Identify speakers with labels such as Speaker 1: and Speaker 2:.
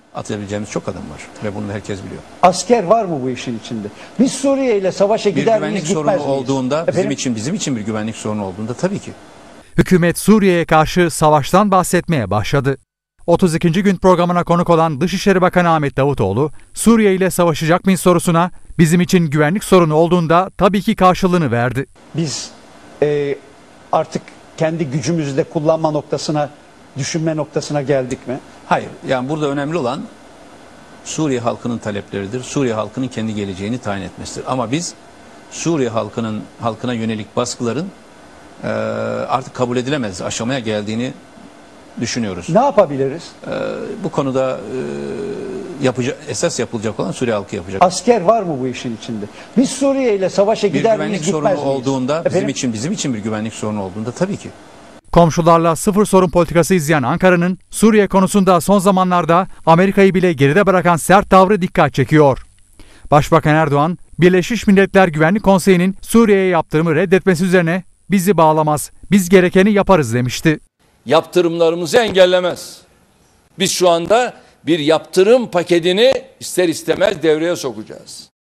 Speaker 1: atabileceğimiz çok adam var ve bunu herkes biliyor.
Speaker 2: Asker var mı bu işin içinde? Biz Suriye ile savaşa gider miyiz, gitmez miyiz?
Speaker 1: Bir güvenlik sorunu olduğunda,
Speaker 2: Efendim?
Speaker 1: bizim için bir güvenlik sorunu olduğunda tabii ki.
Speaker 3: Hükümet Suriye'ye karşı savaştan bahsetmeye başladı. 32. gün programına konuk olan Dışişleri Bakanı Ahmet Davutoğlu, Suriye ile savaşacak mıyız sorusuna bizim için güvenlik sorunu olduğunda tabii ki karşılığını verdi.
Speaker 2: Biz artık kendi gücümüzü de kullanma noktasına, düşünme noktasına geldik mi?
Speaker 1: Hayır, yani burada önemli olan Suriye halkının talepleridir. Suriye halkının kendi geleceğini tayin etmesidir. Ama biz Suriye halkına yönelik baskıların artık kabul edilemez aşamaya geldiğini düşünüyoruz.
Speaker 2: Ne yapabiliriz?
Speaker 1: Bu konuda esas yapılacak olan Suriye halkı yapacak.
Speaker 2: Asker var mı bu işin içinde? Biz Suriye ile savaşa gider miyiz, gitmez miyiz?
Speaker 1: Bir güvenlik sorunu olduğunda,
Speaker 2: Efendim?
Speaker 1: bizim için bir güvenlik sorunu olduğunda tabii ki.
Speaker 3: Komşularla sıfır sorun politikası izleyen Ankara'nın Suriye konusunda son zamanlarda Amerika'yı bile geride bırakan sert tavrı dikkat çekiyor. Başbakan Erdoğan, Birleşmiş Milletler Güvenlik Konseyi'nin Suriye'ye yaptırımı reddetmesi üzerine bizi bağlamaz, biz gerekeni yaparız demişti.
Speaker 4: Yaptırımlarımızı engellemez. Biz şu anda bir yaptırım paketini ister istemez devreye sokacağız.